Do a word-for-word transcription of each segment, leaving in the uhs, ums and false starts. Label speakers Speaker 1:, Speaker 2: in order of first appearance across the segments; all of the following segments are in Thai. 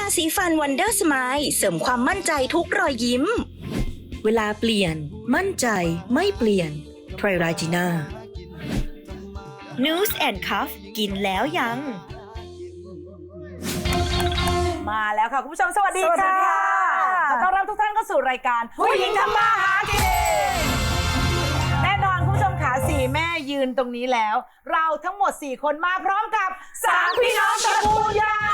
Speaker 1: าสีฟันวันเดอร์สไมล์เสริมความมั่นใจทุกรอยยิ้ม เวลาเปลี่ยนมั่นใจไม่เปลี่ยนไทรราจิน่า News and Cuff กินแล้วยัง
Speaker 2: มาแล้วค่ะคุณผู้ชมสวัสดี
Speaker 3: สวัสดี
Speaker 2: ค่ะ
Speaker 3: ค่ะ
Speaker 2: ขอต้อนรับทุกท่านเข้าสู่รายการผู้หญิงทำมาหากินแน่นอนคุณผู้ชมขาสี่แม่ยืนตรงนี้แล้ว เราทั้งหมดสี่คนมาพร้อมกับสามพี่น้องตระกูลยาง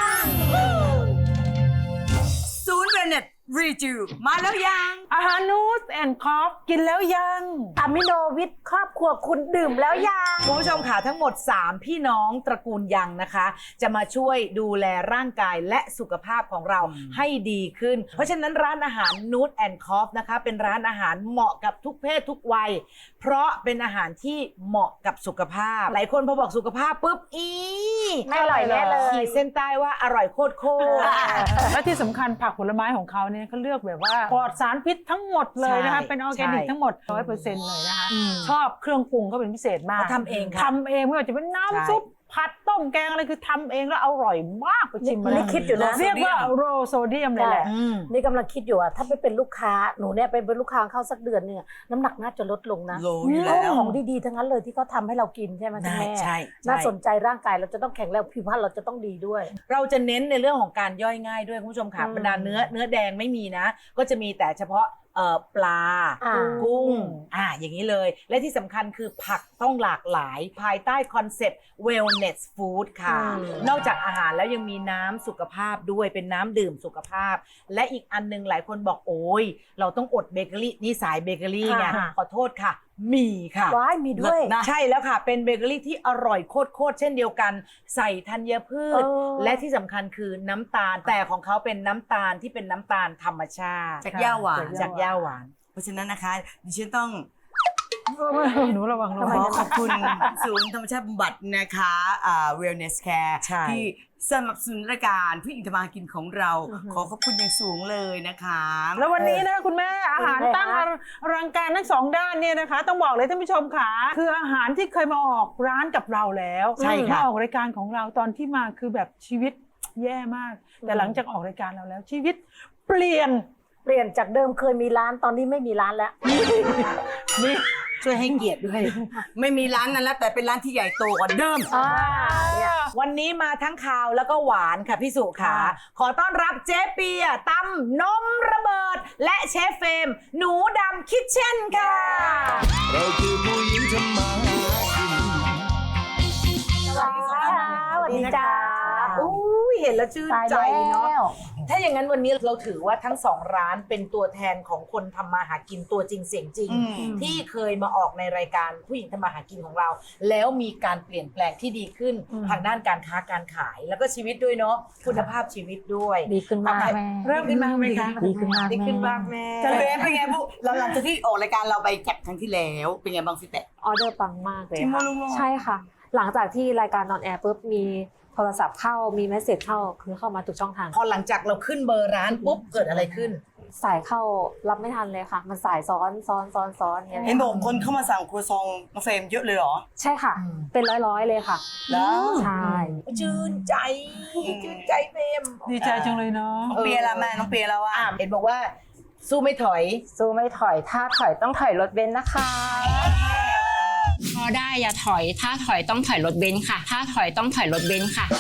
Speaker 3: ศูนย์เวเนตรีจูมาแล้วยัง
Speaker 4: อาหารนูสแอนด์คอฟกินแล้วยัง
Speaker 3: อะมิโนวิทครอบครัวคุณดื่มแล้วยัง
Speaker 2: คุณผู้ชมขาทั้งหมดสามพี่น้องตระกูลยังนะคะ จะมาช่วยดูแลร่างกายและสุขภาพของเราให้ดีขึ้น เพราะฉะนั้นร้านอาหารนูตแอนด์คอฟนะคะเป็นร้านอาหารเหมาะกับทุกเพศทุกวัยเพราะเป็นอาหารที่เหมาะกับสุขภาพหลายคนพอบอกสุขภาพปุ๊บอี
Speaker 3: ไม่อร่อยแน่เลย
Speaker 2: ขีดเส้นใต้ว่าอร่อยโคตรโคตร
Speaker 4: และที่สำคัญผักผลไม้ของเขาเนี่ยเขาเลือกแบบว่าปลอดสารพิษทั้งหมดเลยนะคะ
Speaker 2: ใช่
Speaker 4: เป็นออร์แกนิก
Speaker 2: ใช่
Speaker 4: ทั้งหมด ร้อยเปอร์เซ็นต์ เลยนะคะ
Speaker 2: อืม
Speaker 4: ชอบเครื่องปรุงเขาเป็นพิเศษมาก
Speaker 2: เขาทำเองค่ะ
Speaker 4: ทำเองไม่ว่าจะเป็น
Speaker 2: ใช่
Speaker 4: น้ำซุปผัดต้มแกงอะไรคือทำเองแล้วอร่อยมากไปชิมมา
Speaker 3: นี่คิดอยู่นะ
Speaker 4: เรียกว่าโรโซเดียมเลยแหละ
Speaker 2: อืม
Speaker 3: นี่กำลังคิดอยู่อะถ้าไปเป็นลูกค้าหนูเนี่ยไปเป็นลูกค้าเข้าสักเดือนเนี่ยน้ำหนักน่าจะลดลงนะ
Speaker 5: โลอยู่แล้ว
Speaker 3: ของดีๆทั้งนั้นเลยที่เขาทำให้เรากินใช่ไหมคุณ
Speaker 2: ใช่
Speaker 3: แม่
Speaker 2: ใช่
Speaker 3: น่าสนใจร่างกายเราจะต้องแข็งแรงผิวพรรณเราจะต้องดีด้วย
Speaker 2: เราจะเน้นในเรื่องของการย่อยง่ายด้วยคุณผู้ชมค่ะ
Speaker 3: อืม
Speaker 2: บรรดาเนื้อเนื้อแดงไม่มีนะ ก็จะมีแต่เฉพาะเอ่อปลา
Speaker 3: อ่า
Speaker 2: กุ้งอ่าอย่างนี้เลย และที่สำคัญคือผักต้องหลากหลายภายใต้คอนเซ็ปต์ wellness food ค่ะ
Speaker 3: อืม
Speaker 2: นอกจากอาหารแล้วยังมีน้ำสุขภาพด้วยเป็นน้ำดื่มสุขภาพ และอีกอันหนึงหลายคนบอกโอ้ยเราต้องอดเบเกอรี่นี่สายเบเกอรี่ไงขอโทษค่ะ มีค่ะ
Speaker 3: ว้ายมีด้วย
Speaker 2: ใช่แล้วค่ะ เป็นเบเกอรี่ที่อร่อยโคตรๆเช่นเดียวกัน ใส่ธัญพืช
Speaker 3: เออ
Speaker 2: และที่สำคัญคือน้ำตาล แต่ของเขาเป็นน้ำตาลที่เป็นน้ำตาลธรรมชาติ
Speaker 5: จากย่าหวาน
Speaker 2: จากย่าหวาน
Speaker 5: เพราะฉะนั้นนะคะดิฉันต้อง
Speaker 4: หนูระวังระ
Speaker 5: ข
Speaker 4: วั
Speaker 5: อง ขอบคุณ ศูนย์ธรรมชาติบำบัดนะคะอ่า Wellness Care
Speaker 2: ใช่
Speaker 5: ที่สนับสนุนรายการผู้หญิงทำมาหากินของเรา ขอขอบคุณอย่างสูงเลยนะคะ
Speaker 4: แล้ววันนี้นะคุณแม่อาหารตั้งอลังการทั้งสองด้านเนี่ยนะคะ ต้องบอกเลยท่านผู้ชมค่ะคืออาหารที่เคยมาออกร้านกับเราแล้ว
Speaker 2: ใช่ค่ะ
Speaker 4: มาออกรายการของเราตอนที่มาคือแบบชีวิตแย่มาก แต่หลังจากออกรายการเราแล้ว ชีวิตเปลี่ยน
Speaker 3: เปลี่ยนจากเดิมเคยมีร้านตอนนี้ไม่มีร้านแล้ว
Speaker 5: นี่ช่วยให้เกียรติด้วย ไม่มีร้านนั้นแล้วแต่เป็นร้านที่ใหญ่โตกว่าเดิม
Speaker 3: อ่าเนี่ย
Speaker 2: วันนี้มาทั้งคาวแล้วก็หวานค่ะพี่สุขาขอต้อนรับเจ๊เปียตำนมระเบิด และเชฟเฟรมหนูดำคิทเช่นค่ะ
Speaker 6: เราคือผู้หญิงทำมาหากิน
Speaker 3: สวัสดีค่ะสวัสดีจ้า
Speaker 2: อุ้ยเห็นแล้วชื่น
Speaker 3: ตาย
Speaker 2: ใจ
Speaker 3: แล้
Speaker 2: เนาะ
Speaker 3: ว
Speaker 2: ถ้าอย่างนั้นวันนี้เราถือว่าทั้งสองร้านเป็นตัวแทนของคนทำมาหากินตัวจริงเสียงจริง
Speaker 5: อืม
Speaker 2: ที่เคยมาออกในรายการผู้หญิงทำมาหากินของเรา แล้วมีการเปลี่ยนแปลงที่ดีขึ้น
Speaker 3: อืม
Speaker 2: ทางด้านการค้าการขาย แล้วก็ชีวิตด้วยเนาะคุณภาพชีวิตด้วย
Speaker 3: ดีขึ้นมากแม่
Speaker 4: เริ่มขึ้นมาไหมคะ
Speaker 3: ดีขึ้นมาก
Speaker 2: ดีขึ้น
Speaker 3: แม่
Speaker 2: บ้างแม่
Speaker 5: จะเป็นเป็นไงพวกเราหลังจากที่ออกรายการเราไปจากครั้งที่แล้วเป็นไงบ้างฟิแตก
Speaker 7: ออเดอร์ปังมากเลย
Speaker 5: จริงเหรอ
Speaker 7: ค่ะ
Speaker 5: ลุงโล
Speaker 7: ใช่ค่ะ หลังจากที่รายการนอนแอร์ปุ๊บมีโทรศัพท์เข้ามีเมสเซจเข้าคือเข้ามาทุกช่องทาง
Speaker 2: พอหลังจากเราขึ้นเบอร์ร้านปุ๊บเกิดอะไรขึ้น
Speaker 7: สายเข้ารับไม่ทันเลยค่ะ มันสายซ้อนซ้อนซ้อนซ้อนอย่างเงี้ย
Speaker 5: เห็นบอกคนเข้ามาสั่งครัวซองน้องเฟรมเยอะเลยเหรอ
Speaker 7: ใช่ค่ะ
Speaker 2: อืม
Speaker 7: เป็นร้อยร้อยๆเลยค่ะ
Speaker 5: แล้ว
Speaker 7: ใช่
Speaker 2: ชื่นใจชื่นใจเฟรม
Speaker 4: ดีใจจังเลยเนาะ
Speaker 5: น้องเปียละแม่น้องเปียแล้วว่า
Speaker 2: อ่ะเห็นบอกว่าสู้ไม่ถอย
Speaker 7: สู้ไม่ถอยถ้าถอยต้องถอยรถเบนซ์นะคะ
Speaker 8: พอได้อย่าถอยถ้าถอยต้องถอยรถเบนซ์ค่ะ ถ้าถอยต้องถอยรถเบนซ์ค่ะ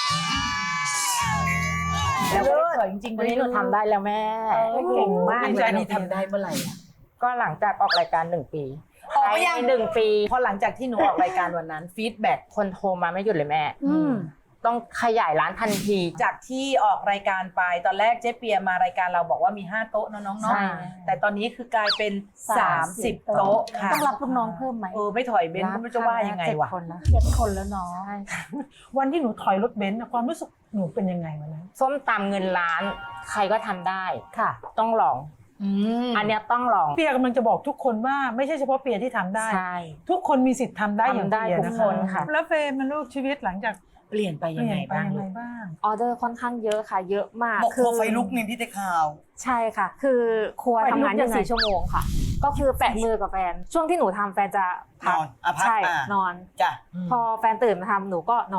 Speaker 2: แล้วก็ถอยจริงๆ
Speaker 7: วันนี้หนูทำได้แล้วแม่
Speaker 3: เก่งมาก
Speaker 2: ดี
Speaker 3: เล
Speaker 2: ใจ
Speaker 3: ย
Speaker 2: นี่ทำได้เมื่อไหร่อะ
Speaker 7: ก็หลังจากออกรายการหนึ่งปี
Speaker 2: ออกไปยัง
Speaker 7: ในหนึ่งปี
Speaker 2: พอหลังจากที่หนูออกรายการวันนั้นฟีดแบ็ก
Speaker 7: คนโทรมาไม่หยุดเลยแม่
Speaker 3: อืม
Speaker 7: ต้องขยายร้านทันที
Speaker 2: จากที่ออกรายการไปตอนแรกเจ๊เปียมารายการเราบอกว่ามีห้าโต๊ะเนอะน้อง
Speaker 7: ใช่
Speaker 2: ๆแต่ตอนนี้คือกลายเป็นสามสิบโต๊ะค่ะ
Speaker 3: ต้องรับลูกน้องเพิ่มไหม
Speaker 2: เออไม่ถอยเบนซ์ก็ไม่รู้จะว่ายังไงวะ
Speaker 7: เจ็ดคนนะ
Speaker 3: เจ็ดคนแล้วเนาะ
Speaker 4: วันที่หนูถอยรถเบนซ์น่ะความรู้สึกหนูเป็นยังไงวันนั้น
Speaker 7: ส้มตำเงินล้าน ใครก็ทำได้
Speaker 3: ค่ะ
Speaker 7: ต้องลอง
Speaker 2: อืม
Speaker 7: อันเนี้ยต้องลอง
Speaker 4: เปียกำลังจะบอกทุกคนว่าไม่ใช่เฉพาะเปียที่ทำได้
Speaker 7: ใช่
Speaker 4: ทุกคนมีสิทธิ์ทำได้อย่าง
Speaker 7: ทำได้
Speaker 4: เปีย
Speaker 7: ทุกคนค่ะ
Speaker 4: แล้วเฟรมมันลูกชีวิตหลังจาก
Speaker 2: เปลี่ยนไป
Speaker 4: เป
Speaker 2: ยัง
Speaker 4: ลี่ย
Speaker 2: ไง
Speaker 4: นไป
Speaker 2: บ้าง
Speaker 4: ยัง
Speaker 2: ลู
Speaker 4: ไง
Speaker 2: ก
Speaker 4: บ้าง
Speaker 7: ออเดอร์ค่อนข้างเยอะค่ะ เยอะมาก
Speaker 5: บอกครัวไฟลุกนี่พี่ได้ข่าว
Speaker 7: ใช่ค่ะ คือครัว
Speaker 4: ไฟลุก
Speaker 7: ทำงาน
Speaker 4: ยั
Speaker 7: ยี่
Speaker 4: งไง
Speaker 7: สิบสี่ชั่วโมงค่ะ ก็คือแปะมือกับแฟน ช่วงที่หนูทำแฟนจะพัก
Speaker 5: นอนอ่ะพัก
Speaker 7: ใช่
Speaker 5: อ่ะ
Speaker 7: นอน
Speaker 5: จ้ะ
Speaker 7: พอแฟนตื่นมาทำหนูก็นอน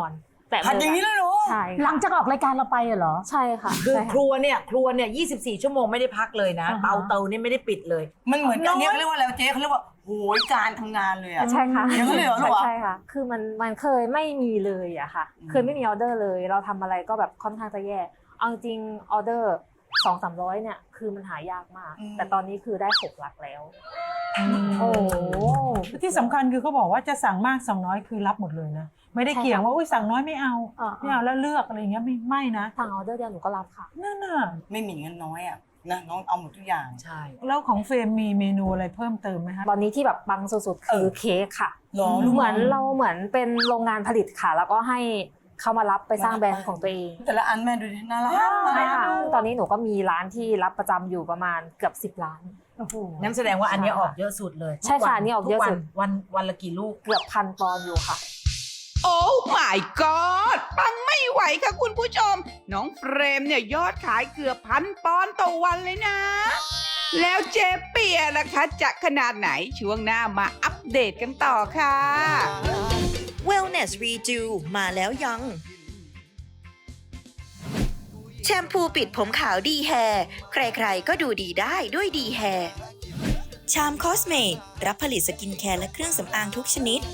Speaker 7: แตะ
Speaker 5: ผัด
Speaker 7: มื
Speaker 5: อย่างนี้แล้วเหรอ
Speaker 7: ใช่
Speaker 3: หลั
Speaker 7: ค่ะ
Speaker 3: งจากออกรายการเราไปเหรอ
Speaker 7: ใช่ค่ะ
Speaker 2: คือ
Speaker 7: ใช่
Speaker 2: ครัวเนี่ยครัวเนี่ยยี่สิบสี่ชั่วโมงไม่ได้พักเลยนะ
Speaker 3: อ่าฮะ
Speaker 2: เตาเตาเนี่ยไม่ได้ปิดเลย
Speaker 5: มันเหมือนอันเนี้ยเขาเรียกว่าอะไรวะเจ๊เขาเรียกว่าโหยการทำงานเลยอะ
Speaker 7: ใช่ค่ะ
Speaker 5: อย่างนั้นเลยเหรอลูกเหรอ
Speaker 7: ใช่ค่ะ คือมันมันเคยไม่มีเลยอะค่ะ
Speaker 5: อืม
Speaker 7: เคยไม่มีออเดอร์เลย เราทำอะไรก็แบบค่อนข้างจะแย่เอาจริงออเดอร์สองสามร้อยเนี่ยคือมันหายากมาก แต่ตอนนี้คือได้หกหลักแล้ว
Speaker 4: โอ้ที่สำคัญคือเขาบอกว่าจะสั่งมากสั่งน้อยคือรับหมดเลยนะไม่ได้
Speaker 7: ใช่ค่ะ
Speaker 4: เกี่ยงว่าอุ้ยสั่งน้อยไม่เอา
Speaker 7: อ่า
Speaker 4: ไม่เอาแล้วเลือกอะไรอย่างเงี้ยไม่ไม่นะ
Speaker 7: ทางออเดอร์เดียวหนูก็รับค่ะ
Speaker 4: นั่นน่ะ
Speaker 5: ไม่มีเงินน้อยอะนะน้องเอาหมดทุกอย่าง
Speaker 2: ใช่
Speaker 4: แล้วของเฟรมมีเมนูอะไรเพิ่มเติมไหมคะ
Speaker 7: ตอนนี้ที่แบบปังสุดๆคือเค้กค่ะ
Speaker 5: หรอลูก
Speaker 7: เหมือนเราเหมือนเป็นโรงงานผลิตค่ะ แล้วก็ให้เขามารับไปสร้างแบรนด์ของตัวเอง
Speaker 5: แต่ละอันแม่ดูดิน่ารัก
Speaker 7: ใช่ค่ะตอนนี้หนูก็มีร้านที่รับประจำอยู่ประมาณเกือบสิบร้าน
Speaker 2: นั่นแสดงว่าอันเนี้ยออกเยอะสุดเลย
Speaker 7: ใช่ค่ะ
Speaker 2: ทุวั
Speaker 7: อันนี้ออกเยอะสุด
Speaker 2: ทุกวันวันวันละกี่ลูก
Speaker 7: เกือบพันปอนด์อยู่ค่ะ
Speaker 9: โอ้ my god ปังไม่ไหวค่ะคุณผู้ชม น้องเฟรมเนี่ยยอดขายเกือบพันปอนด์ต่อวันเลยนะ แล้วเจ๊เปียล่ะคะจะขนาดไหนช่วงหน้ามาอัปเดตกันต่อค่ะ
Speaker 1: Wellness Redo มาแล้วยัง แชมพูปิดผมขาวดีแฮร์ใครๆก็ดูดีได้ด้วยดีแฮร์ชามคอสเมดรับผลิตสกินแคร์และเครื่องสำอางทุกชนิด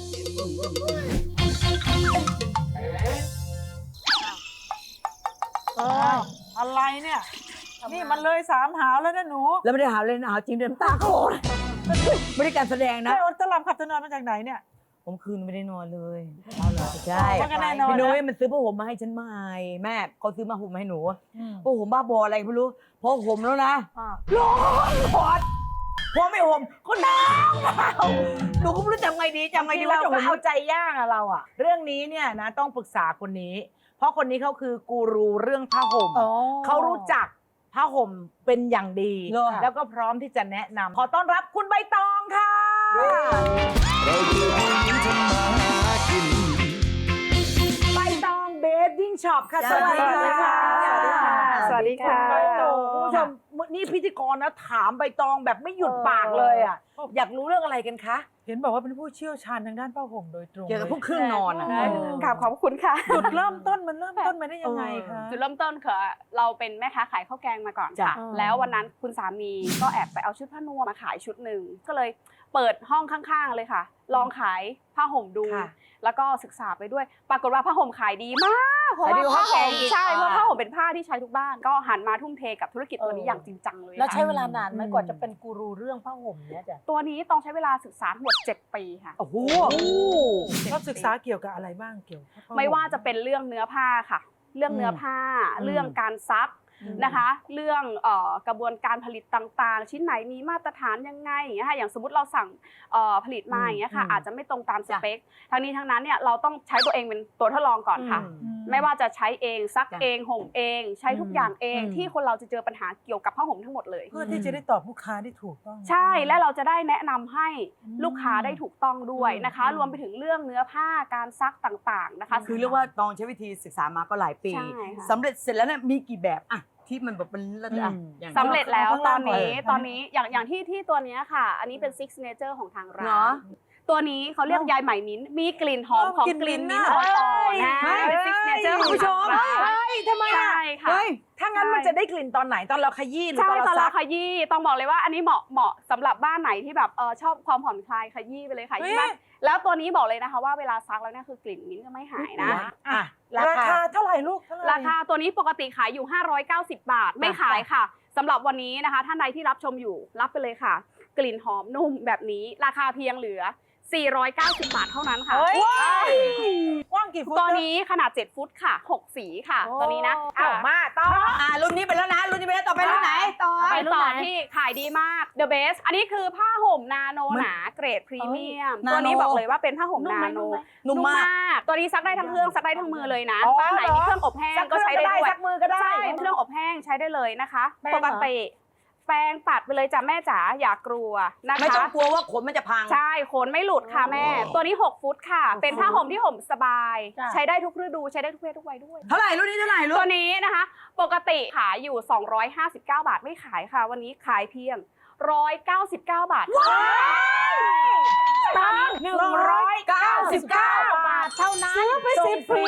Speaker 4: เอออะไรเนี่ยนี่มันเลยสามหาวแล้วนะหนู
Speaker 2: แล้วไม่ได้หาเลยนะหาจริงเดินตาโคตรไม่ได้การแสดงนะ
Speaker 4: ได้อดตลับขับตะนอนมาจากไหนเนี่ย
Speaker 2: ผมคืนไม่ได้นอนเลยเอาเหรอใช่
Speaker 4: ว่ากันแน่นอนนะ
Speaker 2: พี่นุ้ยมันซื้อผ้าห่มมาให้ฉันใหม่แม่เขาซื้อมาห่มมาให้หนูผ้าห่มบ้าบออะไรไม่รู้พอห่มแล้วนะร้อนร้อนพอไม่ห่มก็หนาวหนาวหนูก็ไม่รู้จะทำไงดีจำไงดีว่า
Speaker 4: เรา
Speaker 2: จะ
Speaker 4: ก็
Speaker 2: ห่ม
Speaker 4: เอาใจย่างอะเราอะเรื่องนี้เนี่ยนะต้องปรึกษาคนนี้ เพราะคนนี้เขาคือกูรูเรื่องผ้าห่มเขารู้จักผ้าห่มเป็นอย่างดี
Speaker 2: เหรอ
Speaker 4: แล้วก็พร้อมที่จะแนะนำขอต้อนรับคุณใบตองค่ะ
Speaker 6: เราคือผู้หญิงทำมาหากิน
Speaker 4: ใบตองเบดดิ้งช็อปค่ะ
Speaker 2: สวัสดีค่ะ
Speaker 4: สวัสดีค่ะ
Speaker 2: สวัสดีค่ะ
Speaker 4: ใบตองคุณผู้ชมนี่พิธีกรนะถามใบตองแบบไม่หยุดปากเลยอ่ะ อยากรู้เรื่องอะไรกันคะ เห็นบอกว่าเป็นผู้เชี่ยวชาญทางด้านผ้าห่มโดยตรง
Speaker 2: เกี่ยวกับพวกเครื่องนอนอะ
Speaker 8: กราบขอบคุณค่ะ
Speaker 4: จุดเริ่มต้นมันเริ่มต้นมาได้ยังไงคะ
Speaker 8: จุดเริ่มต้นคือเราเป็นแม่ค้าขายข้าวแกงมาก่อน
Speaker 2: จ้ะ
Speaker 8: ค่ะ แล้ววันนั้นคุณสามีก็แอบไปเอาชุดผ้านวมมาขายชุดหนึ่งก็เลยเปิดห้องข้างๆเลยค่ะ ลองขายผ้าห่มดู
Speaker 2: ค่ะ
Speaker 8: แล้วก็ศึกษาไปด้วย ปรากฏว่าผ้าห่มขายดีมากเพราะ
Speaker 2: ขายดี
Speaker 8: ว่าก
Speaker 2: ว่า
Speaker 8: ผ้าห่ม
Speaker 2: ข้าวแกงอีก
Speaker 8: ใช่เพราะ
Speaker 2: อ่า
Speaker 8: ผ้าห่มเป็นผ้าที่ใช้ทุกบ้าน ก็หันมาทุ่มเทกับธุรกิจตัวนี้อย่างจริงจังเลย
Speaker 3: แล้ว
Speaker 8: ค่ะ
Speaker 3: ใช้เวลานานไหมกว่าจะเป็นกูรูเรื่องผ้าห่มเนี่ยจ้ะ
Speaker 8: ตัวนี้ต้องใช้เวลาศึกษาทั้งหมดเจ็ดปีค่ะ
Speaker 2: โอ้โห
Speaker 4: ก็ศึกษาเกี่ยวกับอะไรบ้างเกี่ยวกับผ้ห่
Speaker 8: ไม่ว่าจะเป็นเรื่องเนื้อผ้าค่ะ เรื่องเนื้อผ้า
Speaker 2: อืม
Speaker 8: เรื่องการซักนะคะ เรื่องเอ่อกระบวนการผลิตต่างๆ ชิ้นไหนมีมาตรฐานยังไงอย่างเงี้ยค่ะอย่างสมมติเราสั่งเอ่อผลิตมาอย่างเงี้ยค่ะ
Speaker 2: อืม
Speaker 8: อาจจะไม่ตรงตามส
Speaker 2: จ้ะ
Speaker 8: เปคทั้งนี้ทั้งนั้นเนี่ยเราต้องใช้ตัวเองเป็นตัวทดลองก่อนค่ะ
Speaker 2: อืม
Speaker 8: ไม่ว่าจะใช้เองซัก
Speaker 2: จ้ะ
Speaker 8: เองห่มเอง ใช้ทุกอย่างเอง
Speaker 2: อืม
Speaker 8: ที่คนเราจะเจอปัญหาเกี่ยวกับผ้าห่มทั้งหมดเลย
Speaker 4: เพื่อที่จะได้ตอบลูกค้าได้ถูกต้อง
Speaker 8: ใช่และเราจะได้แนะนำให้ลูกค้าได้ถูกต้องด้วยนะคะ
Speaker 2: อืม
Speaker 8: รวมไปถึงเรื่องเนื้อผ้าการซักต่างๆนะคะ
Speaker 2: คือเรียกว่าตองใช้วิธีศึกษามาก็หลายปี
Speaker 8: ใช่ค่ะ
Speaker 2: สำเร็จเสร็จแล้วเนี่ยมีกี่แบบอะที่มันแบบเป็นเลิศอะอย่าง
Speaker 8: สำเร็จแล้ว
Speaker 4: ข้าง
Speaker 8: ต
Speaker 4: ล่า
Speaker 8: อง นนี้
Speaker 4: ก่อน
Speaker 8: ตอนนี้อย่างอย่างที่ที่ตัวเนี้ยค่ะ อันนี้เป็น Six Signature ของทางร้า
Speaker 2: เหรอ
Speaker 8: นตัวนี้เขาเรียกยายไหมมิ้นท์มีกลิ่นหอมของ
Speaker 4: กลิ่น
Speaker 8: กลิ่น
Speaker 4: มิ้
Speaker 8: มิ้
Speaker 4: น
Speaker 8: น
Speaker 4: ท์
Speaker 8: ท์
Speaker 4: น่ะ
Speaker 8: อ่อนๆนะ
Speaker 2: เฮ้ย
Speaker 8: เป็น Six Signature ของ
Speaker 2: คุณผู้ช
Speaker 8: ทาง
Speaker 2: ม
Speaker 8: ร้าน
Speaker 4: เฮ้ยทำไมอ่ะ
Speaker 8: ใช่ค่ะ
Speaker 2: เฮ้ย
Speaker 4: ถ้างั้นมันจะได้กลิ่นตอนไหนตอนเราขยี้หรือ
Speaker 8: ใช่
Speaker 4: ตอน
Speaker 8: ตอน
Speaker 4: เรา
Speaker 8: เรา
Speaker 4: ซัก
Speaker 8: ขยี้ต้องบอกเลยว่าอันนี้เหมาะเหมาะสำหรับบ้านไหนที่แบบเออชอบความผ่อนคลายขยี้ไปเลยค่ะ
Speaker 4: เฮ้ย
Speaker 8: ยิ่งบ้านแล้วตัวนี้บอกเลยนะคะว่าเวลาซักแล้วเนี่ยคือกลิ่นมิ้นท์ก็ไม่หายนะ
Speaker 4: อ่ะราคาเท่าไหร่ลูกเท่าไหร่
Speaker 8: ราคาตัวนี้ปกติขายอยู่ ห้าร้อยเก้าสิบ บาท ไม่ขายค่ะสำหรับวันนี้นะคะท่านใดที่รับชมอยู่รับไปเลยค่ะ กลิ่นหอมนุ่มแบบนี้ราคาเพียงเหลือ สี่ร้อยเก้าสิบ บาทเท่านั้นค่ะ
Speaker 4: เฮ้ยกว้างกี่ฟุต
Speaker 8: ตัวนี้ขนาด เจ็ด ฟุตค่ะ หก สีค่ะ ตัวนี้นะ
Speaker 4: อ้าวมาต่อ
Speaker 2: อ่ารุ่นนี้ไปแล้วนะรุ่นนี้ไปแล้วต่อไปรุ่นไหนต่อ
Speaker 8: ไปต่อที่ขายดีมาก The Best อันนี้คือผ้าห่มนาโนหนาเกรดพรีเมียม
Speaker 2: นาโน
Speaker 8: ตัวนี้บอกเลยว่าเป็นผ้าห่มนาโน
Speaker 2: นุ่มมาก
Speaker 8: ตัวนี้ซักได้ทั้งเครื่องซักได้ทั้งมือเลยนะ
Speaker 4: อ๋อ
Speaker 8: บ้านไหนมีเครื่องอบแห้ง
Speaker 4: ซักเค
Speaker 8: ก็
Speaker 4: รื่อง
Speaker 8: ใช้
Speaker 4: ก็
Speaker 8: ได้
Speaker 4: ได้
Speaker 8: ด้วย
Speaker 4: ซักมือก็ได้
Speaker 8: ใช่เครื่องอบแห้งใช้ได้เลยนะคะ
Speaker 3: แป้งเหรอ
Speaker 8: ปกติแปรงปัดไปเลยจ้ะแม่จ๋าอย่ากลัวนะคะ
Speaker 2: ไม่ต้องกลัวว่าขนมันจะพัง
Speaker 8: ใช่ขนไม่หลุดค่ะแม่ ตัวนี้ หก ฟุตค่ะ เป็นผ้าห่มที่ห่มสบาย
Speaker 3: จ้ะ
Speaker 8: ใช้ได้ทุกฤดูใช้ได้ทุกเพศทุกวัยด้วย
Speaker 2: เท่าไหร่รุ่นนี้เท่าไหร่รุ่
Speaker 8: ตัวน นี้นะคะ ปกติขายอยู่ สองร้อยห้าสิบเก้า บาทไม่ขายค่ะ วันนี้ขายเพียง หนึ่งร้อยเก้าสิบเก้า บาท
Speaker 4: หนึ่งร้อยเก้าสิบเก้าบาทเท่านั้น
Speaker 3: ซื้อไปสิบ
Speaker 4: ส่งฟรี
Speaker 3: ผืนเลย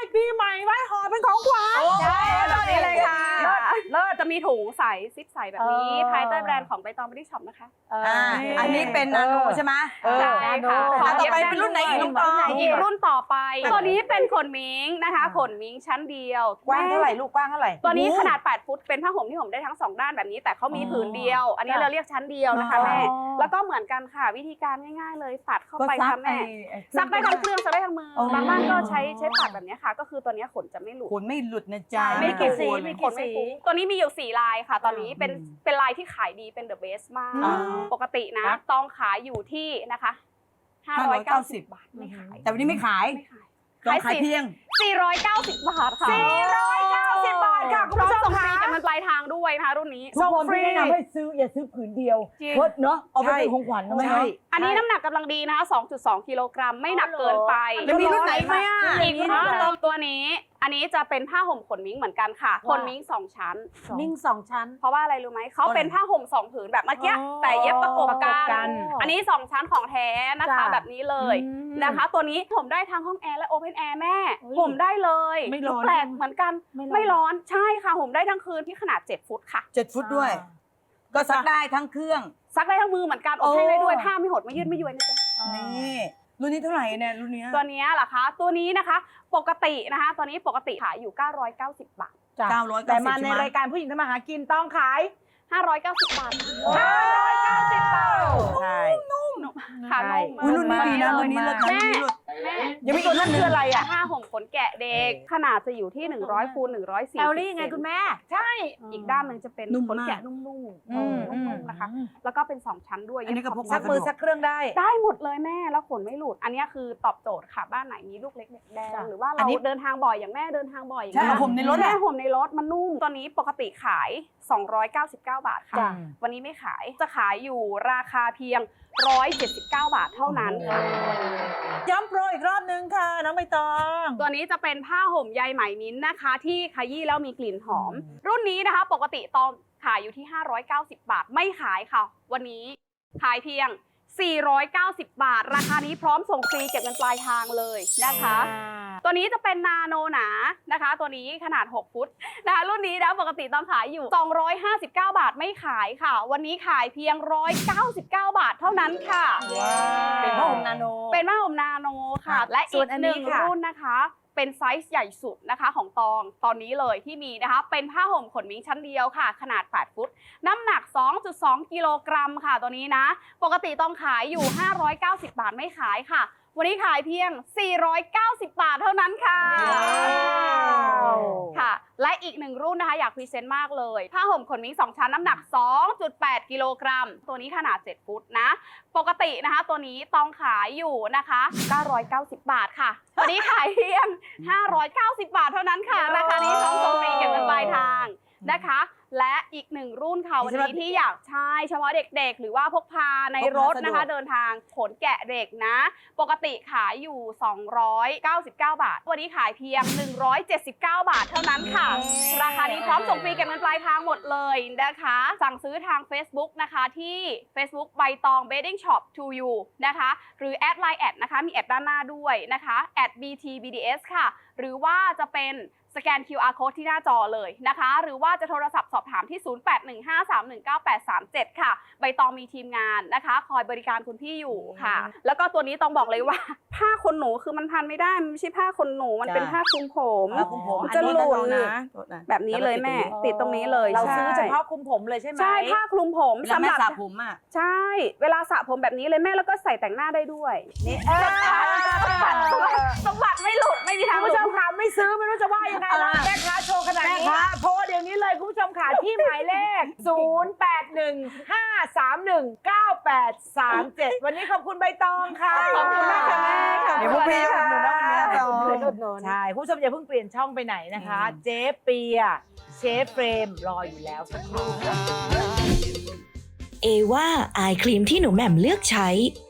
Speaker 4: ปีใหม่ไว้ห่อเป็นของขวัญ
Speaker 8: ใช่แบบนี้เลยค่ะเลิศจะมีถุงใสซิปใสแบบนี้
Speaker 4: เออ
Speaker 8: ภายใต้แบรนด์ของใบตองบริช็อปนะคะ
Speaker 5: อ่าอันนี้เป็นนาโนใช่ไหม
Speaker 4: เออ
Speaker 8: ใช่ค่ะ
Speaker 5: แล้วต่อไปเป็นรุ่นไหนอีกน้องตอง
Speaker 8: อีกรุ่นต่อไป ตัวนี้เป็นขนมิงนะคะขนมิงชั้นเดียว
Speaker 4: กว้างเท่าไหร่ลูกกว้างเท่าไหร่
Speaker 8: ตัวนี้ขนาดแปดฟุตเป็นผ้าห่มที่ห่มได้ทั้งสองด้านแบบนี้ แต่เขามีผืนเดียว อันนี้เราเรียกชั้นเดียวนะคะแม่ แล้วก็เหมือนกันค่ะวิธีการง่ายๆเลยปัดเข้าไปค่ะแม่ซักได้ทั้งเครื่องซักได้ทั้งมือบางบ้านก็ใช้ใช้ปัดแบบนี้ค่ะ ก็คือตัวนี้ขนจะไม่หลุด
Speaker 5: ขนไม่หลุดนะจ๊ะ
Speaker 8: ไม่กี่สี
Speaker 5: ขน
Speaker 8: ไม่กี่สีตัวนี้มีอยู่สี่ลายค่ะ ตอนนี้เป็นเป็นลายที่ขายดีเป็นเดอะเบสมาก
Speaker 5: อ่า
Speaker 8: ปกตินะต้องขายอยู่ที่นะคะห้าร้อยเก้าสิบบาทไม่ขาย
Speaker 5: แต่วันนี้ไม่ขาย
Speaker 8: ไม่ขาย
Speaker 5: ต้องขายเพียง
Speaker 8: สี่ร้อยเก้าสิบบาทค่ะ
Speaker 4: สี่ร้อยเก้าสิบบาทค่ะคุณ
Speaker 8: พร้อ
Speaker 4: ผู้
Speaker 8: ม
Speaker 4: ชม
Speaker 8: ส่งฟรี
Speaker 4: ค่ะ
Speaker 8: จากเงินปลายทางด้วยนะคะรุ่นนี้
Speaker 4: ส่งฟรี
Speaker 10: แนะนำให้ซื้ออย่าซื้อผืนเดียว
Speaker 8: จริง
Speaker 10: เพราะเนาะเอาไปเป็นของขวัญนะแม่
Speaker 4: ใช่
Speaker 10: เนาะ
Speaker 8: อันนี้น้ำหนักกำลังดีนะคะ สองจุดสอง กิโลกรัมไม่หนักเกินไป
Speaker 5: แล้วมีรุ่นไหนไหมอ่ะ
Speaker 8: อีกรุ่นหนึ่งตัวนี้ อันนี้จะเป็นผ้าห่มขนมิ้งเหมือนกันค่ะ ขนมิ้งสองชั้น
Speaker 3: มิ่งสองชั้น
Speaker 8: เพราะว่าอะไรรู้ไหม เขาเป็นผ้าห่มสองผืนแบบเมื่อกี้
Speaker 4: อ๋อ
Speaker 8: แต่เย็บประกบ
Speaker 4: ประก
Speaker 8: กับ น
Speaker 4: กัน
Speaker 8: อันนี้สองชั้นของแท้นะคะ
Speaker 3: จ้ะ
Speaker 8: แบบนี้เลย
Speaker 4: อืม
Speaker 8: นะคะ ตัวนี้ห่มได้ทั้งห้องแอร์และโอเพนแอร์แม่
Speaker 3: อุ๊ย
Speaker 8: ห่มได้เลย
Speaker 4: ไม่ร้อน
Speaker 8: แปลกเหมือนกัน
Speaker 3: ไม่ร้อน
Speaker 8: ไม่ร้อนใช่ค่ะห่มได้ทั้งคืนที่ขนาดเจ็ดฟุตค่ะ
Speaker 5: เจ็ดฟุตด้วย ก็ซักได้ทั้งเครื่อง
Speaker 8: ซักได้ทั้งมือเหมือนกันอบแห้งได้ด้วยผ้าไม่หดไม่ยืดไม่ย้วยนะจ๊ะ
Speaker 5: นี่รุ่นนี้เท่าไหร่เนี่ยรุ่นเนี้ย
Speaker 8: ตัวนี้เหรอคะตัวนี้นะคะปกตินะคะตัวนี้ปกติขายอยู่เก้าร้อยเก้าสิบบาท
Speaker 5: เก้าร้อย
Speaker 4: แต่
Speaker 5: เก้าสิบ
Speaker 4: มาใน
Speaker 5: ใช่ไหม
Speaker 4: รายการผู้หญิงทำมาหากินต้องขาย
Speaker 8: ห้าร้อยเก้าสิบบาท
Speaker 4: ห้าร้อยเก้าสิบบาทใช่
Speaker 8: ค่ะ
Speaker 4: ใช่
Speaker 8: นุ่ม
Speaker 5: อุ๊ยรุ่นนี้ดีนะรุ่นนี้เลิศนะรุ่นนี้เลิศ
Speaker 8: แม่
Speaker 4: ยังมีตัวนั้นคืออะไรอ่ะ
Speaker 8: ผ้าห่มขนแกะเด็กขนาดจะอยู่ที่หนึ่งร้อยคูณหนึ่งร้อยสี่
Speaker 3: แอ
Speaker 8: สิบ
Speaker 3: ลลี่ไงคุณแม่
Speaker 8: ใช่อีกด้านหนึ่งจะเป็น
Speaker 5: นุ่ม
Speaker 8: ขน
Speaker 5: มาก
Speaker 8: แกะนุ่ม
Speaker 4: อืม
Speaker 8: ๆนุ่มๆนะคะ แล้วก็เป็นสองชั้นด้วย
Speaker 5: อันนี้ก็พก
Speaker 4: ซักมือซักเครื่องได้
Speaker 8: ได้หมดเลยแม่แล้วขนไม่หลุด อันนี้คือตอบโจทย์ค่ะบ้านไหนมีลูกเล็กเด็กแดง
Speaker 3: จ้ะ
Speaker 8: หรือว่า
Speaker 4: อั
Speaker 8: เรา
Speaker 4: นนี้
Speaker 8: เดินทางบ่อยอย่างแม่เดินทางบ่อยอย่าง
Speaker 5: ใช่
Speaker 8: เงี้ย
Speaker 5: ผมในรถ
Speaker 8: แม่
Speaker 5: อะ
Speaker 8: ห่มในรถมันนุ่มตัวนี้ปกติขายสองร้อยเก้าสิบเก้าบาทค่ะ
Speaker 3: จ้ะ
Speaker 8: วันนี้ไม่ขายจะขายอยู่ราคาเพียงหนึ่งร้อยเจ็ดสิบเก้าบาทเท่านั้นค่ะ
Speaker 4: ย้ำโปรอีกรอบนึงค่ะ น้องใบตอง
Speaker 8: ตัวนี้จะเป็นผ้าห่มใยไหมมิ้นท์นะคะ ที่ขยี้แล้วมีกลิ่นหอม รุ่นนี้นะคะ ปกติตองขายอยู่ที่ห้าร้อยเก้าสิบบาทไม่ขายค่ะ วันนี้ขายเพียงสี่ร้อยเก้าสิบบาท ราคานี้พร้อมส่งฟรีเก็บเงินปลายทางเลยนะคะ ตัวนี้จะเป็นนาโนหนานะคะ ตัวนี้ขนาดหกฟุตนะคะรุ่นนี้นะปกติต้องขายอยู่สองร้อยห้าสิบเก้าบาทไม่ขายค่ะ วันนี้ขายเพียงหนึ่งร้อยเก้าสิบเก้าบาทเท่านั้นค่ะ
Speaker 5: เป็นผ้าห่มนาโน
Speaker 8: เป็นผ้าห่มนาโนค่ะ และ
Speaker 4: ส่
Speaker 8: อี
Speaker 4: วน
Speaker 8: ก
Speaker 4: อัน
Speaker 8: ห
Speaker 4: นี้
Speaker 8: นึ่ง
Speaker 4: ค่ะ
Speaker 8: รุ่นนะคะ เป็นไซส์ใหญ่สุดนะคะของตองตอนนี้เลยที่มีนะคะ เป็นผ้าห่มขนมิ้งชั้นเดียวค่ะ ขนาดแปดฟุต น้ำหนัก สองจุดสอง กิโลกรัมค่ะตัวนี้นะ ปกติต้องขายอยู่ ห้าร้อยเก้าสิบบาทไม่ขายค่ะ วันนี้ขายเพียง สี่ร้อยเก้าสิบบาทเท่านั้นค่ะ
Speaker 4: ว้าว
Speaker 8: ค่ะ และอีกหนึ่งรุ่นนะคะอยากพรีเซนต์มากเลย ผ้าห่มขนมิ้งสองชั้นน้ำหนัก สองจุดแปด กิโลกรัม ตัวนี้ขนาดเจ็ดฟุตนะ ปกตินะคะตัวนี้ต้องขายอยู่นะคะเก้าร้อยเก้าสิบบาทค่ะ วันนี้ขายเพียง ห้าร้อยเก้าสิบบาทเท่านั้นค่ะ ราคานี้พร้อมส่งฟรีเก็บเงินปลายทางนะคะ และอีกหนึ่งรุ่นค่ะวันนี้ที่อยากใช้เฉพาะเด็กๆ หรือว่าพกพาในรถนะคะ เดินทางขนแกะเด็กนะ ปกติขายอยู่สองร้อยเก้าสิบเก้าบาท วันนี้ขายเพียงหนึ่งร้อยเจ็ดสิบเก้าบาทเท่านั้นค่ะ ราคานี้พร้อมส่งฟรีเก็บเงินปลายทางหมดเลยนะคะ สั่งซื้อทาง Facebook นะคะที่ Facebook ใบตอง Bedding Shop to you นะคะ หรือแอดไลน์แอดนะคะมีแอดด้านหน้าด้วยนะคะแอด บี ที บี ดี เอส ค่ะ หรือว่าจะเป็นสแกน คิว อาร์ Code ที่หน้าจอเลยนะคะ หรือว่าจะโทรศัพท์สอบถามที่ ศูนย์ แปด หนึ่ง ห้า สาม หนึ่ง เก้า แปด สาม เจ็ด ค่ะ ใบตองมีทีมงานนะคะ คอยบริการคุณพี่อยู่ค่ะ แล้วก็ตัวนี้ต้องบอกเลยว่า ผ้าขนหนูคือมันพันไม่ได้ มันไม่ใช่ผ้าขนหนู มันเป็นผ้าคลุมผม
Speaker 5: ผ้าคลุมผม
Speaker 8: มันจะหลุด
Speaker 5: อันนี้นะ
Speaker 8: แบบนี้เลยแม่ ติดตรงนี้เลย
Speaker 4: เราซื้อ
Speaker 8: ใช่
Speaker 4: เฉพาะคลุมผมเลยใช่ไหม
Speaker 8: ใช่ผ้าคลุมผม
Speaker 5: เวลา
Speaker 8: สำ
Speaker 5: แม่
Speaker 8: หรับ
Speaker 5: สระผมอ่ะ
Speaker 8: ใช่ เวลาสระผมแบบนี้เลยแม่แล้วก็ใส่แต่งหน้าได้ด้วย
Speaker 4: นี่เออ
Speaker 8: สมบัติไม่หลุดไม่มีทาง
Speaker 4: คุณ
Speaker 8: หลุ
Speaker 4: ผู้ช
Speaker 8: ด
Speaker 4: มค่ะไม่ซื้อไม่รู้จะว่ายังไงแล้วแม่ค้าโชว์ขนาดนี้โทรเดี๋ยวนี้เลยคุณผู้ชมค่ะที่หมายเลข ศูนย์ แปด หนึ่ง ห้า สาม หนึ่ง เก้า แปด สาม เจ็ด วันนี้ขอบคุณใบตองค่ะ
Speaker 8: ขอบคุณมากค่ะแม่ค่ะ
Speaker 5: เดี๋ยวพวกพี่อุดหนุนนะวันนี้ตอง
Speaker 4: ใช่คุณผู้ชมอย่าเพิ่งเปลี่ยนช่องไปไหนนะคะ เจ๊เปียเชฟเฟรมรออยู่แล้วสักครู่ค่ะ
Speaker 1: เอว่าอายครีมที่หนูแหม่มเลือกใช้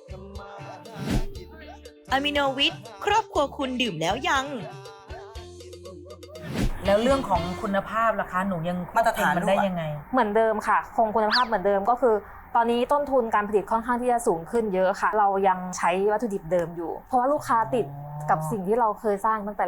Speaker 1: อะมิโนวิทครอบครัวคุณดื่มแล้วยัง
Speaker 2: แล้วเรื่องของคุณภาพล่ะคะหนูยัง
Speaker 5: มาตรฐาน
Speaker 2: มันได้ยังไง
Speaker 7: เหมือนเดิมค่ะ คงคุณภาพเหมือนเดิมก็คือ ตอนนี้ต้นทุนการผลิตค่อนข้างที่จะสูงขึ้นเยอะค่ะ เรายังใช้วัตถุดิบเดิมอยู่ เพราะว่าลูกค้าติดกับสิ่งที่เราเคยสร้างตั้งแต่แรก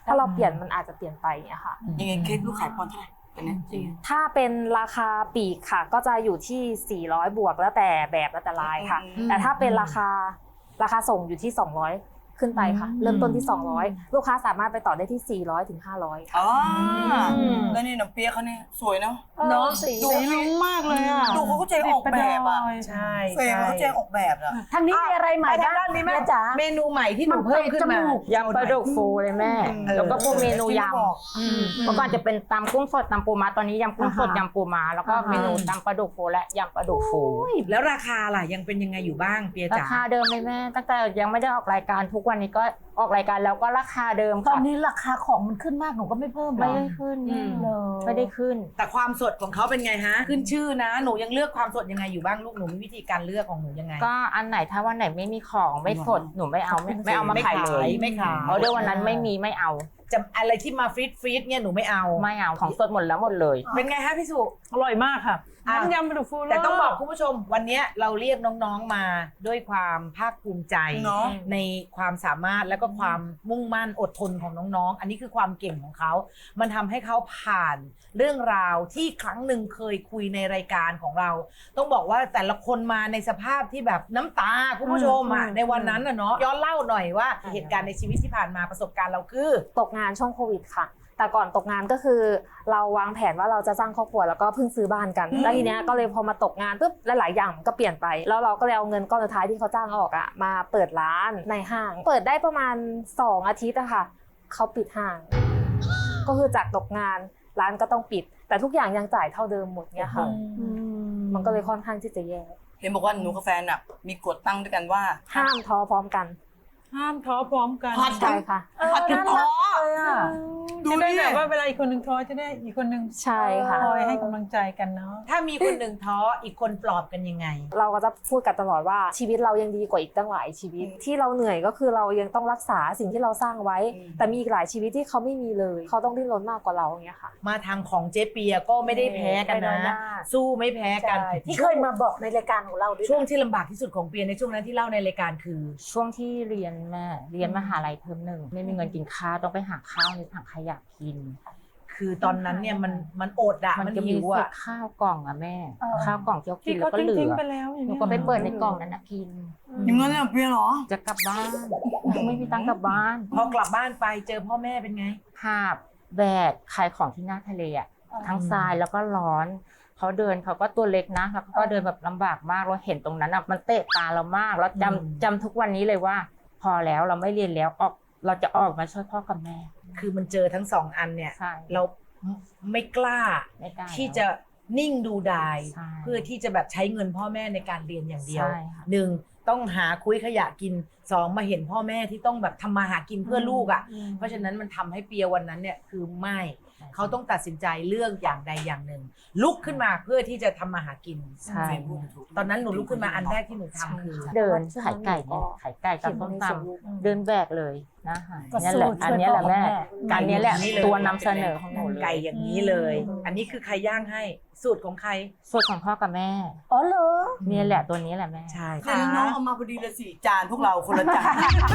Speaker 7: ถ้าเราเปลี่ยนมันอาจจะเปลี่ยนไปอย่างเงี้ยค่ะ
Speaker 5: ยังไงเค้กลูกขายปอนด์เท่าไหร่ตอนนี้จริง
Speaker 7: ถ้าเป็นราคาปลีกค่ะ ก็จะอยู่ที่สี่ร้อยบวกแล้วแต่แบบแล้วแต่ลายค่ะ
Speaker 5: อืม
Speaker 7: แต่ถ้าเป็นราคาราคาส่งอยู่ที่สองร้อยขึ้นไปค่ะ เริ่มต้นที่สองร้อยลูกค้าสามารถไปต่อได้ที่สี่ร้อยถึงห้าร้อยค่ะ
Speaker 5: อ๋อแล้วนี่น้ำเปี๊ยะเขาเนี่ยสวยเนาะ
Speaker 3: เนาะสี
Speaker 5: ดูลุ้งมากเลยอ่ะดูเขาเข้าใจออกแบบอ่ะ
Speaker 2: ใช่
Speaker 5: เฟรมเขาเข้าใจออกแบบอ่ะ
Speaker 3: ทางนี้มีอะไรใหม่
Speaker 2: ไป
Speaker 3: บ้าง
Speaker 2: ทางด้านนี้ไหม
Speaker 3: แม่จ๋า
Speaker 2: เมนูใหม่ที่หนูเพิ่มขึ้นมา
Speaker 7: ยำปลาดุกฟูเลยแม่
Speaker 2: เออ
Speaker 7: แล้วก็พวกเมนูย
Speaker 2: อืม
Speaker 7: ำเมื่อก่อนจะเป็นตำกุ้งสดตำปูม้าตอนนี้ยำกุ้งสด
Speaker 3: อ่าฮะ
Speaker 7: ยำปูม้าแล้วก็เมนูตำปลาดุกฟูและยำปลาดุกฟู
Speaker 2: แล้วราคาล่ะยังเป็นยังไงอยู่บ้างเปีย
Speaker 7: รา
Speaker 2: จ๋า
Speaker 7: คาเดิมเลยแม่ตั้งแต่ยังไม่ได้ออกรายการทุกวันนี้ก็ออกรายการแล้วก็ราคาเดิม
Speaker 3: ตอน
Speaker 7: ค่ะ
Speaker 3: นี้ราคาของมันขึ้นมากหนูก็ไม่เพิ่มหรอ
Speaker 7: ไม่ได้ขึ้น
Speaker 2: อืม
Speaker 3: เลย
Speaker 7: ไม่ได้ขึ้น
Speaker 2: แต่ความสดของเขาเป็นไงฮะ ขึ้นชื่อนะ หนูยังเลือกความสดยังไงอยู่บ้างลูกหนูมีวิธีการเลือกของหนูยังไง
Speaker 7: ก็อันไหนถ้าวันไหนไม่มีของไม่สดหนูไม่เอาไม่ไม่เอามาขายเลย
Speaker 2: ไม่ขาย
Speaker 7: เพราะเดี๋ยววันนั้นไม่มีไม่เอา
Speaker 2: จะอะไรที่มาฟรีดฟรีดเนี่ยหนูไม่เอา
Speaker 7: ไม่เอาของสดหมดแล้วหมดเลย
Speaker 2: เป็นไงฮะพี่สุ
Speaker 10: อร่อยมากค่ะ
Speaker 2: อ่ะ
Speaker 10: น้ำยำปลาดุกฟู
Speaker 2: แต่ต้องบอกคุณผู้ชมวันเนี้ยเราเรียกน้องๆมาด้วยความภาคภูมิใจ
Speaker 5: เนอะ
Speaker 2: ในความสามารถและก็ความมุ่งมั่นอดทนของน้องๆ อันนี้คือความเก่งของเขา มันทำให้เขาผ่านเรื่องราวที่ครั้งหนึ่งเคยคุยในรายการของเรา ต้องบอกว่าแต่ละคนมาในสภาพที่แบบน้ำตาคุณผู้ชมอ่ะในวันนั้นน่ะเนาะย้อนเล่าหน่อยว่าเหตุการณ์ในชีวิตที่ผ่านมาประสบการณ์เราคือ
Speaker 7: ตกงานช่วงโควิดค่ะ แต่ก่อนตกงานก็คือเราวางแผนว่าเราจะสร้างครอบครัวแล้วก็เพิ่งซื้อบ้านกัน แล้วทีเนี้ยก็เลยพอมาตกงานปุ๊บหลายๆอย่างก็เปลี่ยนไป แล้วเราก็เลยเอาเงินก้อนสุดท้ายที่เขาจ้างออกอะมาเปิดร้านในห้าง เปิดได้ประมาณสองอาทิตย์อะค่ะเขาปิดห้าง ก็คือจากตกงานร้านก็ต้องปิด แต่ทุกอย่างยังจ่ายเท่าเดิมหมดเนี้ยค่ะมันก็เลยค่อนข้างที่จะแย่
Speaker 5: เห็นบอกว่าหนูกับแฟนอ่ะมีกฎตั้งด้วยกันว่า
Speaker 7: ห้ามท้อพร้อมกัน
Speaker 10: ห้ามท้อพร้อมกัน
Speaker 5: ผัด
Speaker 7: ใช่ค่ะ
Speaker 5: ผัดกันท้อ ดู
Speaker 10: จะได้
Speaker 5: ดิ
Speaker 10: แบบว่าเวลาอีกคนหนึ่งท้อจะได้อีกคนหนึ่ง
Speaker 7: ใช่ค่ะ
Speaker 10: คอยให้กำลังใจกันเนาะ
Speaker 2: ถ้ามีคนหนึ่งท้ออีกคนปลอบกันยังไง
Speaker 7: เราก็จะพูดกันตลอดว่าชีวิตเรายังดีกว่าอีกตั้งหลายชีวิต ที่เราเหนื่อยก็คือเรายังต้องรักษาสิ่งที่เราสร้างไว้
Speaker 5: อืม
Speaker 7: แต่มีอีกหลายชีวิตที่เขาไม่มีเลย เขาต้องดิ้นรนมากกว่าเราอย่างเงี้ยค่ะ
Speaker 2: มาทางของเจ๊เปียก็ไม่ได้แพ้กัน
Speaker 7: ไม่น้อยห
Speaker 2: นะ
Speaker 7: น้า
Speaker 2: สู้ไม่แพ้กัน
Speaker 3: ที่เคยมาบอกในรายการของเราด้วย
Speaker 2: ช่วงที่ลำบากที่สุดของเปียในช่วงนั้นที่เล่าในรายการคือ
Speaker 7: ช่วงที่เรียนแม่เรียนมหาลัยเทอมหนึ่งไม่มีเงินกินข้าวต้องไปหาข้าวในถังขยะกิน
Speaker 2: คือตอนนั้นเนี่ยมันมันอดอะ
Speaker 7: มัน
Speaker 2: มัน
Speaker 7: จะมี
Speaker 2: หิว
Speaker 7: เศษ
Speaker 2: อะ
Speaker 7: ข้าวกล่องอะแม่ ข้าวกล่องที่เขากิ
Speaker 10: ที่
Speaker 7: นแล้
Speaker 10: เขา
Speaker 7: วก็เหลื
Speaker 10: ทิ้ง
Speaker 7: อ
Speaker 10: ๆไปแล้วอย่าง
Speaker 7: หนู
Speaker 10: เงี้ย
Speaker 7: ก็ไปเปิดในกล่องนั้นนะกิน
Speaker 5: อย่างนั้นเลยเหรอเปียเหรอ
Speaker 7: จะกลับบ้านไม่มีตังค์กลับบ้าน
Speaker 2: พอกลับบ้านไปเจอพ่อแม่เป็นไง
Speaker 7: ภาพแบกขายของที่หน้าทะเลอ่ะทั้งทรายแล้วก็ร้อนเขาเดินเขาก็ตัวเล็กนะแล้วเขาก็เดินแบบลำบากมากเราเห็นตรงนั้นอ่ะมันเตะตาเรามากแล้ว
Speaker 2: อืม
Speaker 7: จำจำทุกวันนี้เลยว่า พอแล้วเราไม่เรียนแล้วออกเราจะออกมาช่วยพ่อกับแม่
Speaker 2: คือมันเจอทั้งสองอันเนี่ย
Speaker 7: ใช่
Speaker 2: เราไม่กล้า
Speaker 7: ไม่กล้า
Speaker 2: ที่จะนิ่งดูดาย
Speaker 7: ใช่
Speaker 2: เพื่อที่จะแบบใช้เงินพ่อแม่ในการเรียนอย่างเดียว
Speaker 7: ใช่ค่ะ
Speaker 2: หนึ่งต้องหาคุยขยะกินสองมาเห็นพ่อแม่ที่ต้องแบบทำมาหากินเพื่อลูกอ่ะ เพราะฉะนั้นมันทำให้เปียวันนั้นเนี่ยคือไม่เขาต้องตัดสินใจเลือกอย่างใดอย่างหนึ่ง ลุกขึ้นมาเพื่อที่จะทำมาหากิน
Speaker 7: ใช่
Speaker 2: ตอนนั้นหนูลุกขึ้นมาอันแรกที่หนูทำคือ
Speaker 7: เดินขายไก่เนี่ยขายไก่กับส้มตำเดินแบกเลยนะคะ
Speaker 3: ก็
Speaker 7: เนี่ย
Speaker 3: สู้
Speaker 7: แหละอันเนี้ยแหละแม่
Speaker 3: ช่วยพ่อกับแม่
Speaker 7: การเนี้ยแหละ
Speaker 2: ไก่อย่างนี้เลย
Speaker 7: ตัวนำเสนอของหนูเลย
Speaker 2: ไก่อย่างนี้เลย อันนี้คือใครย่างให้สูตรของใคร
Speaker 7: สูตรของพ่อกับแม่
Speaker 3: อ๋อเหรอ
Speaker 7: เนี่ยแหละตัวนี้แหละแม่
Speaker 2: ใช่
Speaker 5: เนี่ยน้องๆเอามาพอดีเลยสี่จานพวกเราคนละจาน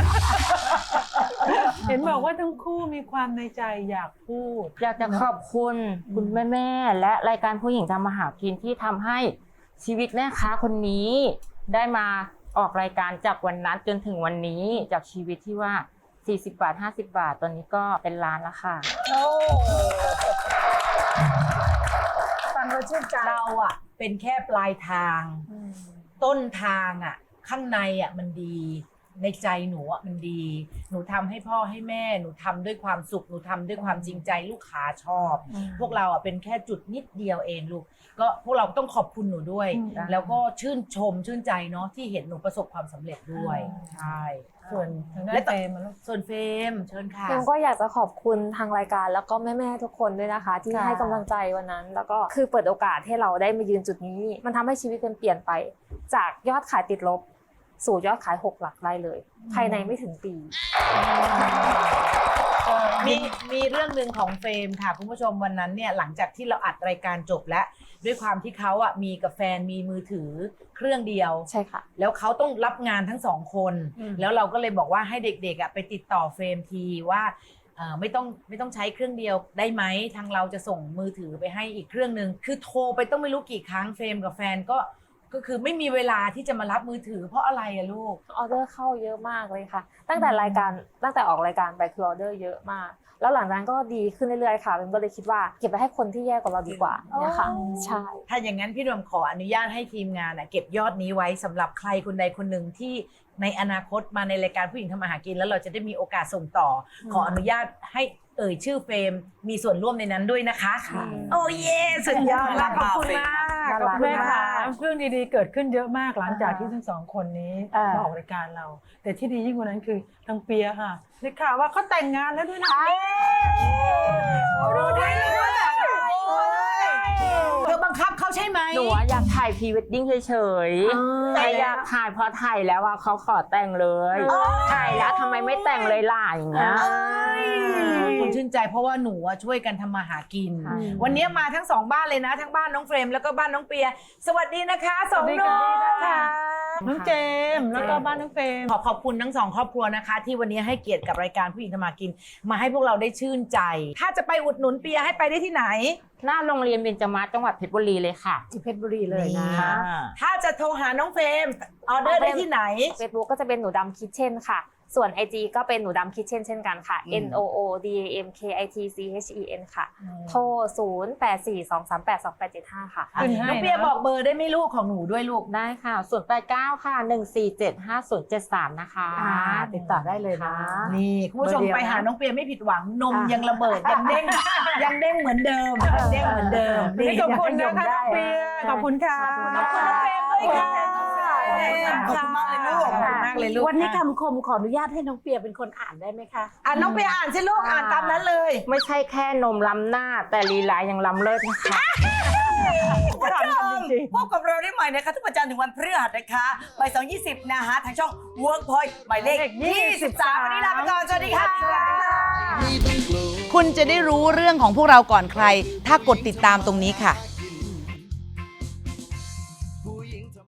Speaker 10: เห็นบอกว่าทั้งคู่มีความในใจอยากพูด
Speaker 7: อยากจะขอบคุณคุณแม่แม่ๆและรายการผู้หญิงทำมาหากินที่ทำให้ชีวิตแม่ค้าคนนี้ ได้มาออกรายการจากวันนั้นจนถึงวันนี้จากชีวิตที่ว่าสี่สิบบาทห้าสิบบาทตอนนี้ก็เป็นล้านแล้วค่ะ
Speaker 3: โอ้ฟังเราชื่นใจ
Speaker 2: เราอ่ะเป็นแค่ปลายทาง ต้นทางอ่ะ ข้างในอ่ะมันดี ในใจหนูอ่ะมันดี หนูทำให้พ่อให้แม่ หนูทำด้วยความสุข หนูทำด้วยความจริงใจลูกค้าชอบ พวกเราอ่ะเป็นแค่จุดนิดเดียวเองลูก ก็พวกเราต้องขอบคุณหนูด้วย
Speaker 7: อืม
Speaker 2: แล้วก็ชื่นชมชื่นใจเนาะที่เห็นหนูประสบความสำเร็จด้วย ใช่
Speaker 10: ส่วนทางด้า
Speaker 2: และ
Speaker 10: น
Speaker 2: ต่อ
Speaker 10: เฟรมอะลูก
Speaker 2: ส่วนเฟรมเชิญค่ะ
Speaker 7: เฟรมก็อยากจะขอบคุณทางรายการแล้วก็แม่ๆทุกคนด้วยนะคะ ที่
Speaker 3: ค่ะ
Speaker 7: ให้กำลังใจวันนั้น แล้วก็คือเปิดโอกาสให้เราได้มายืนจุดนี้ มันทำให้ชีวิตเป็นเปลี่ยนไป จากยอดขายติดลบ สู่ยอดขายหกหลักได้เลย ภายในไม่ถึงปี
Speaker 2: มีมีเรื่องหนึ่งของเฟรมค่ะคุณผู้ชมวันนั้นเนี่ยหลังจากที่เราอัดรายการจบแล้ว ด้วยความที่เขาอ่ะมีกับแฟนมีมือถือเครื่องเดียว
Speaker 7: ใช่ค่ะ
Speaker 2: แล้วเขาต้องรับงานทั้งสองคน
Speaker 7: อืม
Speaker 2: แล้วเราก็เลยบอกว่าให้เด็กๆอ่ะไปติดต่อเฟรมทีว่าอ่าไม่ต้องไม่ต้องใช้เครื่องเดียวได้ไหมทางเราจะส่งมือถือไปให้อีกเครื่องหนึ่งคือโทรไปต้องไม่รู้กี่ครั้งเฟรมกับแฟนก็ก็คือไม่มีเวลาที่จะมารับมือถือเพราะอะไรอะลูก
Speaker 7: ออเดอร์เข้าเยอะมากเลยค่ะ ตั้งแต่รายการตั้งแต่ออกรายการไปคือออเดอร์เยอะมาก แล้วหลังจากนั้นก็ดีขึ้นเรื่อยๆค่ะเบนก็เลยคิดว่าเก็บไปให้คนที่แย่กว่าเราดีกว่าเนี่ยค่ะใช่
Speaker 2: ถ้าอย่างนั้นพี่รวมขออนุญาตให้ทีมงานอะเก็บยอดนี้ไว้สำหรับใครคนใดคนหนึ่งที่ในอนาคตมาในรายการผู้หญิงทำมาหากินแล้วเราจะได้มีโอกาสส่งต่อ ขออนุญาตให้เอ่ยชื่อเฟรมมีส่วนร่วมในนั้นด้วยนะคะ โอ้เย่สุดยอดมากขอบคุณมากขอบคุณ
Speaker 10: แม่
Speaker 2: มา
Speaker 10: ค่ะ
Speaker 2: ก
Speaker 10: เรื่องดีๆเกิดขึ้นเยอะมากหลังจากที่ทั้งสองคนนี้
Speaker 2: อ่าม
Speaker 10: มาออกรายการเรา แต่ที่ดียิ่งกว่านั้นคือทางเปียค่ะได้ข่าวว่าเขาแต่งงานแล้วด้วยนะ
Speaker 2: ดูได้เลยเธอบังคับเขาใช่ไหม
Speaker 11: หนูอะอยากถ่ายพรีเวดดิ้งเฉยๆแต่อยากถ่ายพอถ่ายแล้วอะเขาขอแต่งเลย ถ่ายแล้วทำไมไม่แต่งเลยล่ะอย่างเงี้ย
Speaker 2: คุณชื่นใจเพราะว่าหนูอะช่วยกันทำมาหากิน
Speaker 11: ใช่
Speaker 2: วันนี้มาทั้งสองบ้านเลยนะ ทั้งบ้านน้องเฟรมแล้วก็บ้านน้องเปีย สวัสดีนะคะสอง
Speaker 10: สวัสดี
Speaker 2: น้
Speaker 10: ค่ะ
Speaker 2: อง
Speaker 10: น้องเจมส์แล้วก็บ้านน้องเฟรม
Speaker 2: ขอขอบคุณทั้งสองครอบครัวนะคะ ที่วันนี้ให้เกียรติกับรายการผู้หญิงทำมาหากิน มาให้พวกเราได้ชื่นใจ ถ้าจะไปอุดหนุนเปียให้ไปได้ที่ไหน
Speaker 11: หน้าโรงเรียนเบญจมาศจังหวัดเพชรบุรีเลยค่ะ
Speaker 3: ที่เพชรบุรีเลยนะ
Speaker 2: ถ้าจะโทรหาน้องเฟรมออเดอร์ได้ที่ไหน
Speaker 7: Facebook ก็จะเป็นหนูดำคิทเช่นค่ะ ส่วน ไอ จี ก็เป็นหนูดำคิทเช่นเช่นกันค่ะ N O O D A M K I T C H E N ค่ะ โทร ศูนย์ แปด สี่ สอง สาม แปด สอง แปด เจ็ด ห้า ค่ะ
Speaker 10: ขึ้นให้
Speaker 2: น้องเปียบอกเบอร์ได้ไหมลูกของหนูด้วยลูก
Speaker 11: ได้ค่ะศูนย์แปดเก้าค่ะหนึ่งสี่เจ็ดห้าศูนย์เจ็ดสามนะคะ
Speaker 3: อ่าติดต่อได้เลยนะ
Speaker 2: นี่คุณผู้ชม
Speaker 3: เบอร์เดียว
Speaker 2: ไปหา
Speaker 3: นะ
Speaker 2: น้องเปียไม่ผิดหวังนม
Speaker 3: อ่ะ
Speaker 2: ยังระเบิดยังเด้งยังเด้งเหมือนเดิมยังเด้งเหมือนเดิม
Speaker 10: วันนี้ขอบคุณนะคะน้องเปียขอบคุณค่ะ
Speaker 2: ขอบคุณน้องเฟรมด้วยค่ะ
Speaker 5: ขอบคุณมากเลยลูก
Speaker 2: ขอบคุณมากเลยลูก
Speaker 3: วันนี้คำคมขออนุญาตให้น้องเปียเป็นคนอ่านได้ไหมคะ
Speaker 2: อ่ะน้องเปียอ่านสิลูกอ่านตามนั้นเลย
Speaker 11: ไม่ใช่แค่นมล้ำหน้าแต่ลีลายังล้ำเลิศนะคะ
Speaker 5: คุณผู้ชมพบกับเราได้ใหม่นะคะทุกวันจันทร์ถึงวันพฤหัสนะคะบ่ายสองยี่สิบนะคะทางช่อง Workpoint หมายเลขยี่สิบสามวันนี้ลาไปก่อนสวัสดีค่ะ
Speaker 6: ไม่ต้องกลัว
Speaker 5: คุณจะได้รู้เรื่องของพวกเราก่อนใคร ถ้ากดติดตามตรงนี้ค่ะ